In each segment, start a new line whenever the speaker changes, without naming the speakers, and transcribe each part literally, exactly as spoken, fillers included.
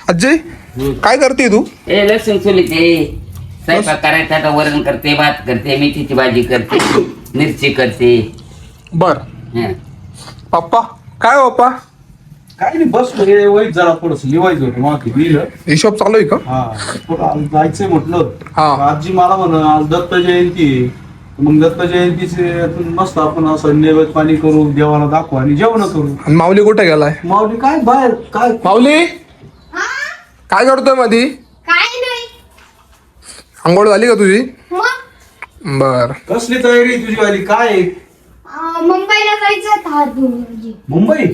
अजय काय करते तू?
ए लसूण सोलीते स्वयंपाक करायचा आता वरण करते, भात करते, मेथीची भाजी करते, मिरची करते.
बर
हं.
पप्पा काय हो पप्पा?
काय नाही बस वय जरा थोडस लिवायचं होतं मग लिहिलं.
हिशोब चालू आहे का?
हा थोडं आज जायचंय म्हटलं.
हा.
आजी मला म्हण आज दत्त जयंती आहे. मग दत्त जयंतीचे मस्त आपण असं नैवेद्य पाणी करू, देवाला दाखवू आणि जेवण करू.
आणि माऊली कुठे गेलाय?
माऊली काय बाहेर काय
माऊली काय करतोय मधी?
काय नाही
आंघोळ झाली का तुझी?
मग
बर
कसली तयारी तुझी वाली काय आहे?
अं, मुंबईला जायचं था दोन
मुंबई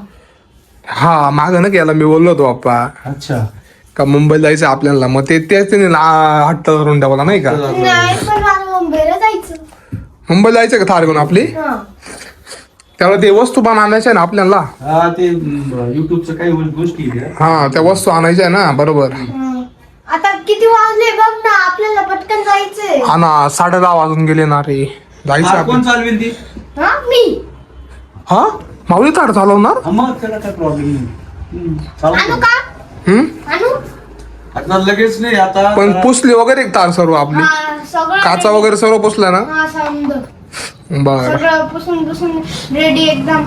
हा माग ना गेला मी बोललो होतो पप्पा
अच्छा
का मुंबईला जायचं आपल्याला, मग ते त्याच त्याने ला- हट्ट करून ठेवला नाही का?
नाही पण मला मुंबईला जायचं.
मुंबईला जायचं का थार घेऊन आपली?
हं.
त्याला ते वस्तू पण आणायच्या ना आपल्याला.
हा ते युट्यूबच्या काही गोष्टी आहेत.
हा त्या वस्तू आणायच्या ना बरोबर.
हं. आता किती वाजले बघ ना, आपल्याला पटकन जायचंय.
हा ना साडे दहा वाजून गेले ना रे. जायचं
हा, कोण
आपण.
चालवेल ती?
हा मी
हा माऊली तार चालवणार?
हा, मग त्याला काय प्रॉब्लेम नाही. हम्म, चालू
आणू
दे.
का
हम्म
आणू
आता लगेच नाही आता
पण पुसली वगैरे एक तार सर्व आपली,
हा सगळं
काचा वगैरे सर्व पुसल्या ना?
हा समज
बर
सगळं पुसून पुसून रेडी एकदम.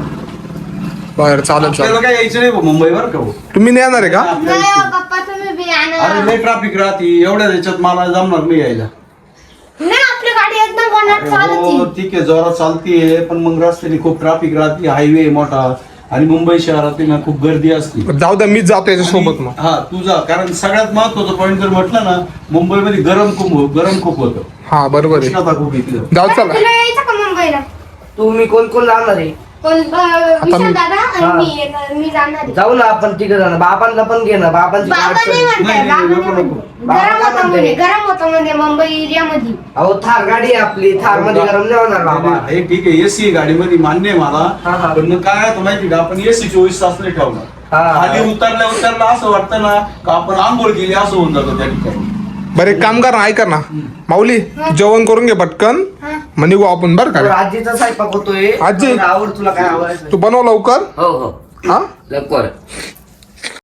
बर चालेल
आपल्याला
चालेल.
काय यायचं नाही मुंबईवर का हो?
तुम्ही नाही येणार आहे का?
नाही हो, पप्पा तुम्ही बी
अरे
आणा.
लय ट्रॅफिक राहते एवढ्या याच्यात मला जमणार नाही यायला.
नाही आपली गाडी एकदम वनात
हो
चालती.
ठीक आहे जोरात चालतीये पण मग रस्त्याने खूप ट्रॅफिक राहते, हायवे आहे मोठा आणि मुंबई शहरात ना खूप गर्दी असते.
जाऊ द्या मीच जातो याच्या सोबत मग.
हा तुझा कारण सगळ्यात महत्वाचं पॉईंट जर म्हटलं ना मुंबईमध्ये गरम खूप गरम खूप होतं,
हा बरोबर आहे.
उष्णता खूप येते.
जाऊ
बरं,
चला.
तुला यायचं का मुंबईला?
तुम्ही कोण कोण जाणार आहे?
कोण अं, विशाल
मी-
दादा आणि
हा.
मी एक- मी जाणार आहे.
जाऊ ना आपण तिकडे जाणार, बाबांना पण घे ना, बाबांची
बाबा
गाठ
नाही
कर.
म्हणताय,
नाही,
बाबा
नाही,
नाही
नको,
म्हणताय.
नको.
बाबा
गरम
काय
होतं
म्हणताय?
म्हणजे गरम होतं म्हणजे मुंबई एरियामध्ये.
अहो थार गाडी आहे आपली, थार मध्ये गरम नाही होणार बाबा.
हे ठीक आहे एसी गाडीमध्ये मान्य आहे
हा, हा.
मला, पण मग काय आहे माहिती का आपण एसी चोवीस तास नाही ठेवणार.
हा.
खाली उतरल्या उतरल्या असं वाटतं ना का आपण आंघोळ केली असं होऊन जातं त्या ठिकाणी.
बरं एक काम कर ना, ऐका ना माऊली जेवण करून घे पटकन,
हा.
मग निघू आपण बर
तर
का?
आजीचा स्वयंपाक होतोय.
आजी.
आवड तुला काय आवडायचं?
तू बनव लवकर.
हो हो
हा
लवकर.